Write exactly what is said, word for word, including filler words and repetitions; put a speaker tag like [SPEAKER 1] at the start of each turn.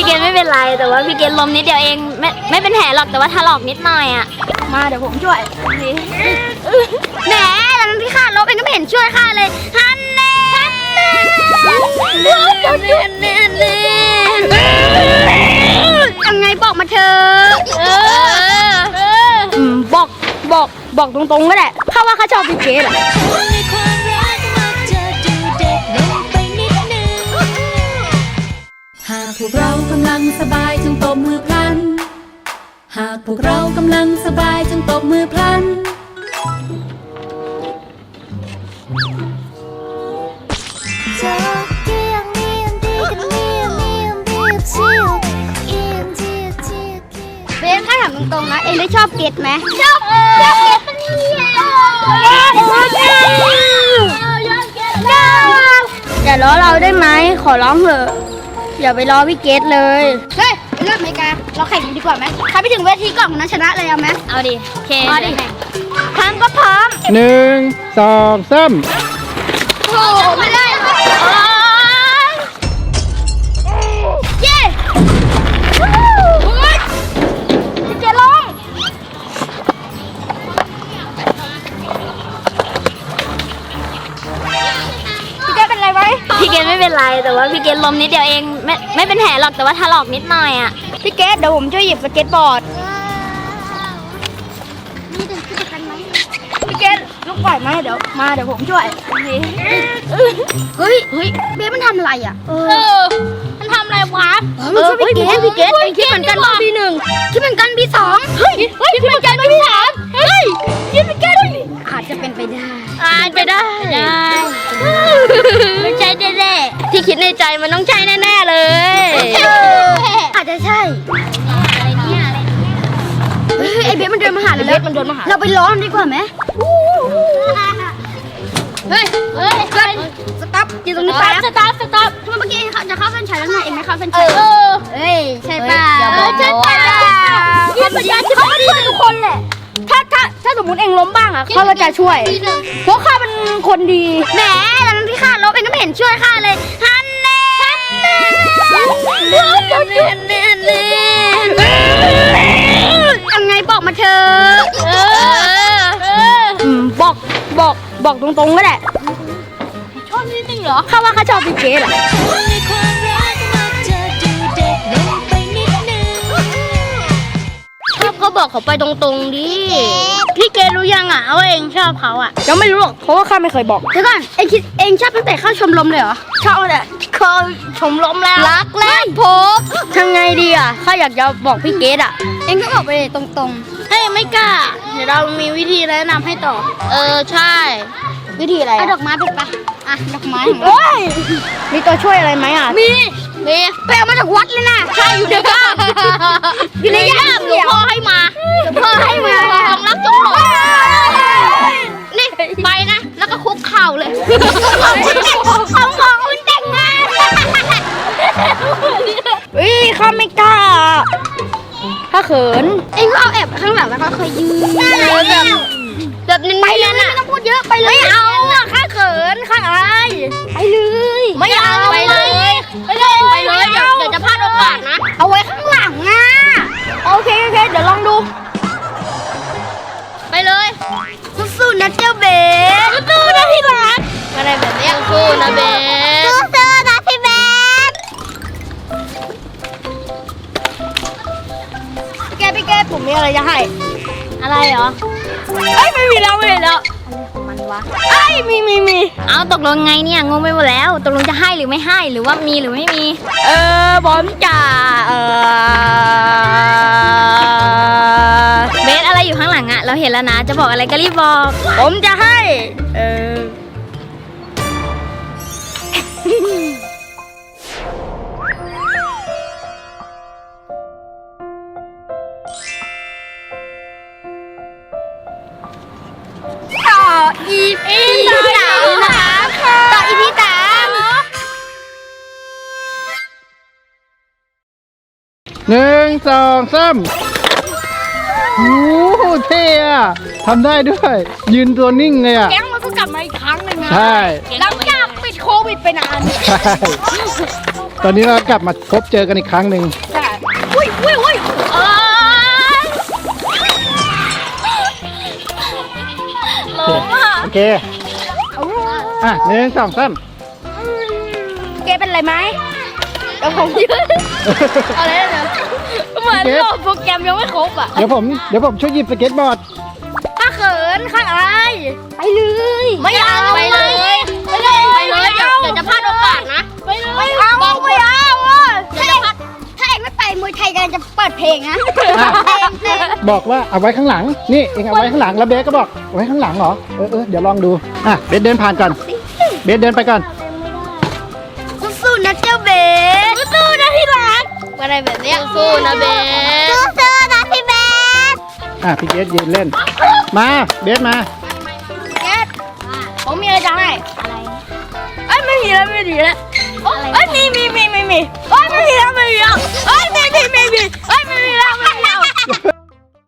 [SPEAKER 1] พี่เกดไม่เป็นไรแต่ว่าพี่เกดล้มนิดเดียวเองไม่ไม่เป็นแผลหรอกแต่ว่าถลอกนิดหน่อยอ่ะมาเดี๋ยวผมช่วยแหมแล้วมันพี่ข้าล้มเองก็ไม่เห็นช่วยข้าเลยฮันเน่ฮันเน่เน่เน่เน่เน่ยังไงบอกมาเถอะบอกบอกบอกตรงๆก็ได้ข้าว่าข้าชอบพี่เกดอะ
[SPEAKER 2] หากพวกเรากำลังสบายจงตบมือพลันหากพวกเรากำลังสบายจงตบมือพลัน
[SPEAKER 1] เบนถ้าถามตรงๆนะเอ็งได้ชอบเกดไหมชอบชอบเกดปะเนี่ยอย่าล้อเราได้ไหมขอร้องเถอะอย่าไปล้อพี่เกดเลยเฮ้ยเลือกอเมริกาเราแข่งกันดีกว่าไหมใครไปถึงเวทีก่อนคนนั้นชนะเลยเอาไหมเอาดิโอเคเอาดิพร้อมก็พร้อม
[SPEAKER 3] หนึ่งสองสาม
[SPEAKER 1] โอ้ไม่ได้เย้พี่เกดลงพี่เกดเป็นไรไหมพี่เกดไม่เป็นไรแต่ว่าพี่เกดล้มนิดเดียวเองไม่ไม่เป็นแผลหรอกแต่ว่าถลอกนิดหน่อยอ่ะพี่เกดเดี๋ยวผมช่วยหยิบสเก็ตบอร์ดพี่เกดลุกไหวไหมเดี๋ยวมาเดี๋ยวผมช่วยเฮ้ยเฮ้ยเบสมันทำอะไรอ่ะเออมันทำอะไรวะเออพี่เกดพี่เกดไอ้คิดเหมือนกันปีหนึ่งคิดเหมือนกันปีสองเฮ้ยคิดเหมือนกันปีสามเฮ้ยคิดเหมือนกันอาจจะเป็นไปได้อาจไปได้ได้ไม่ใช่แน่ๆที่คิดในใจมันต้องใช่แน่ๆเลยอาจจะใช่อะไรเนี่ยอะไรเฮ้ยไอเบสมันเดินมาหาเราเบสมันเดินมาหาเราไปล้อมดีกว่าไหมเฮ้ยเฮ้ยสต๊อปอยู่ตรงนี้แป๊บสต๊อปสต๊อปทำไมเมื่อกี้เองจะเข้าเส้นชัยแล้วไงเองไม่เข้าเส้นชัยเฮ้ยใช่ป่ะใช่ป่ะเขาเป็นเขาเป็นช่วยทุกคนแหละถ้าถ้าถ้าสมมติเองล้มบ้างอ่ะเขาก็จะช่วยเพราะข้าเป็นคนดีแหมแล้วมันพี่ข้าล้มเองก็ไม่เห็นช่วยข้าเลยฮันเน่ฮันเน่เน่เน่เน่เน่ยังไงบอกมาเถอะบอกบอกบอกตรงๆก็ได้ชอบนิดนึงเหรอข้าว่าข้าชอบพี่เกดอะชอบก็บอกเขาไปตรงๆดิพี่เกดรู้ยังอ่ะว่าเองชอบเขาอ่ะยังไม่รู้หรอกเพราะว่าข้าไม่เคยบอกเดี๋ยวก่อนเองคิดเองชอบตั้งแต่เข้าชมรมเลยเหรอชอบแต่เข้าชมรมแล้วรักแรกพบทำไงดีอ่ะข้าอยากจะบอกพี่เกดอ่ะเองก็บอกไปเลยตรงๆเฮ้ยไม่กล้าเดี๋ยวเรามีวิธีแนะนำให้ต่อเออใช่วิธีอะไรเอาดอกไม้ไปปะอ่ะดอกไม้โอ้ยมีตัวช่วยอะไรไหมอ่ะมีมีไปเอามาจากวัดเลยนะใช่อยู่ในบ้านอยู่ในย่ามหลวงพ่อให้มาหลวงพ่อให้มาของรักจงหลงนี่ไปนะแล้วก็คุกเข่าเลยของของคุณแต่งงานวิข้าไม่กล้าถ้าเขินเอ็งก็เอาแอบข้างหลังแล้วก็ค่อยยืนแบบแบบนี้ไปเลยไม่ต้องพูดเยอะไปเลยไม่เอาอะข้าเขินข้าอายไปเลยไม่เอาไปเลยไปเลยไปเลยเดี๋ยวเดี๋ยวจะพลาดโอกาสนะเอาไว้ข้างหลังอ่ะโอเคโอเคเดี๋ยวลองดูไปเลยสู้ๆนะเจ้าเบสสู้ๆนะพี่รักอะไรแบบนี้สู้ๆนะเบสสู้ๆนะพี่เบสพี่แกพี่แกผมมีอะไรจะให้อะไรเหรอเอ้ยไม่มีแล้วไม่มีแล้วอะไรของมันวะเอ้ยมีมีมีเอาตกลงไงเนี่ยงงไปหมดแล้วตกลงจะให้หรือไม่ให้หรือว่ามีหรือไม่มีเออบอมจ่าเออเบสอะไรอยู่ข้างหลังอะเราเห็นแล้วนะจะบอกอะไรก็รีบบอกผมจะให้เอออีพีสามนะคะต่ออีพีสาม
[SPEAKER 3] หนึ่งสองสามโอ้โหเท่อะทำได้ด้วย ยืนตัวนิ่งเลยอะ
[SPEAKER 1] แก๊งมันก็กลับมาอีกครั้งหนึ่งนะ
[SPEAKER 3] ใช่
[SPEAKER 1] หลังจากปิดโควิดไปนาน
[SPEAKER 3] ใช่ตอนนี้เรากลับมาพบเจอกันอีกครั้งหนึ่ง
[SPEAKER 1] ใช่อุ้ยอุ้ยอุ้ยเอ้ยลงอ่ะ
[SPEAKER 3] โอเคอ่ะหนึ่งสองสาม
[SPEAKER 1] เกเป็นไรไหมเดี๋ยวผมยืนเอาเลยนะเหมือนโหลดโปรแกรมยังไม่ครบอ่ะ
[SPEAKER 3] เดี๋ยวผมเดี๋ยวผมช่วยหยิบสเก็ตบอร์ด
[SPEAKER 1] ข้าเขินข้าอายไปเลยไม่เอาไปเลยไปเลยไปเลยเดี๋ยวเดี๋ยวจะพลาดโอกาสนะไปเลยไม่เอาไม่เอาเดี๋ยวจะพลาดถ้าเองไม่ไปมวยไทยกันจะเปิดเพลงนะเพลงเพลง
[SPEAKER 3] บอกว่าเอาไว้ข้างหลังนี่เองเอาไว้ข้างหลังแล้วเบสก็บอกเอาไว้ข้างหลังเหรอเออเออเดี๋ยวลองดูอ่ะเบสเดินผ่านก่อนเบสเดินไปก่อน
[SPEAKER 1] สู้ๆนะเจ้าเบสสู้ๆนะพี่รักอะไรแบบเนี้ยสู้ๆนะเบสสู้ๆนะพี่เบส
[SPEAKER 3] อ่ะพี่เบสยืนเล่นมาเบสมา
[SPEAKER 1] เบสผมมีอะไรจะให้อะไรเอ้ยไม่มีแล้วไม่มีแล้วเอ้ยมีมีมีมีมีเอ้ยไม่มีแล้วไม่มีแล้วเอ้